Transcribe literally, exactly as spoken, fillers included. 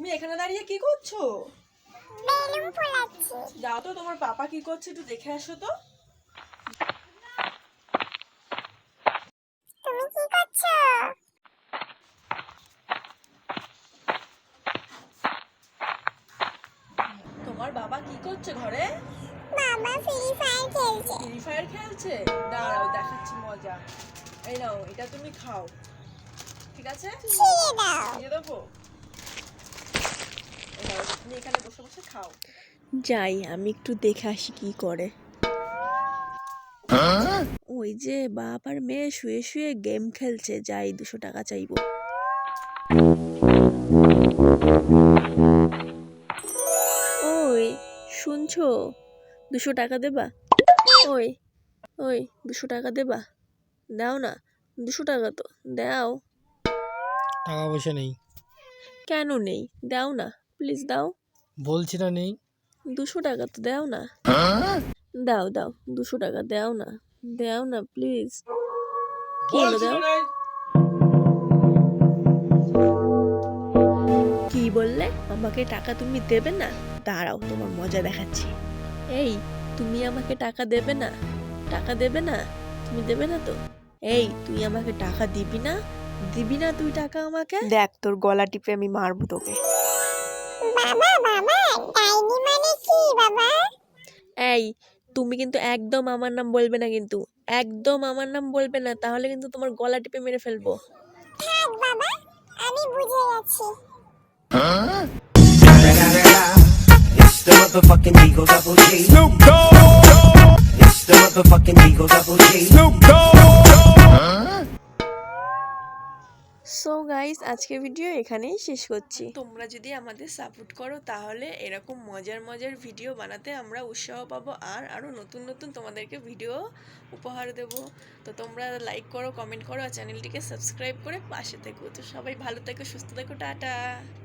তুমি এখানে দাঁড়িয়ে কি করছো? বেলুন ফোলাচ্ছি। যাও তো, তোমার পাপা কি করছে একটু দেখে আসো তো। তুমি কি করছো? তোমার বাবা কি করছে ঘরে? বাবা ফ্রি ফায়ার খেলছে। ফ্রি ফায়ার খেলছে? দাঁড়াও দেখাচ্ছি মজা। এই নাও, এটা তুমি খাও, ঠিক আছে? ছিঁড়ে দাও। দিয়ে দেবো। এই নাও, তুমি এখানে বসে বসে খাও। যাই আমি একটু দেখে আসি কি করে। ওই যে বাপ আর মেয়ে শুয়ে শুয়ে গেম খেলছে, যাই দুশো টাকা চাইবো। ওই শুনছো, দুশো টাকা দেবা? ওই ওই দুশো টাকা দেবা? দাও না, দুশো টাকা তো দাও। টাকা পয়সা নেই। কেন নেই? দাও না প্লিজ, দাও। বলছি না নেই। দুশো টাকা তো দাও না। দাও দাও, দুশো টাকা দাও না, দাও না প্লিজ। কি হলো, দাও। কি বললে? আমাকে টাকা তুমি দেবে না? দাঁড়াও তোমার মজা দেখাচ্ছি। এই, তুমি আমাকে টাকা দেবে না? টাকা দেবে না? তুমি দেবে না তো? এই, তুই আমাকে টাকা দিবি না? দিবি না তুই টাকা আমাকে? দেখ তোর গলা টিপে আমি মারবো তোকে। বাবা বাবা ডাইনি মানে কি বাবা? এই, তুমি কিন্তু একদম আমার নাম বলবে না, কিন্তু একদম আমার নাম বলবে না, তাহলে কিন্তু তোমার গলা টিপে মেরে ফেলবো। থাক বাবা, আমি বুঝে গেছি। It's the motherfucking Eagle Double G. Snoop Dogg. It's the motherfucking Eagle Double G. Snoop Dogg. So guys, আজকের ভিডিও এখানেই শেষ করছি। তোমরা যদি আমাদের সাপোর্ট করো তাহলে এরকম মজার মজার ভিডিও বানাতে আমরা উৎসাহ পাবো, আর আরও নতুন নতুন তোমাদেরকে ভিডিও উপহার দেব। তো তোমরা লাইক করো, কমেন্ট করো, আর চ্যানেলটিকে সাবস্ক্রাইব করে পাশে থেকো। তো সবাই ভালো থেকো, সুস্থ থেকো, টাটা।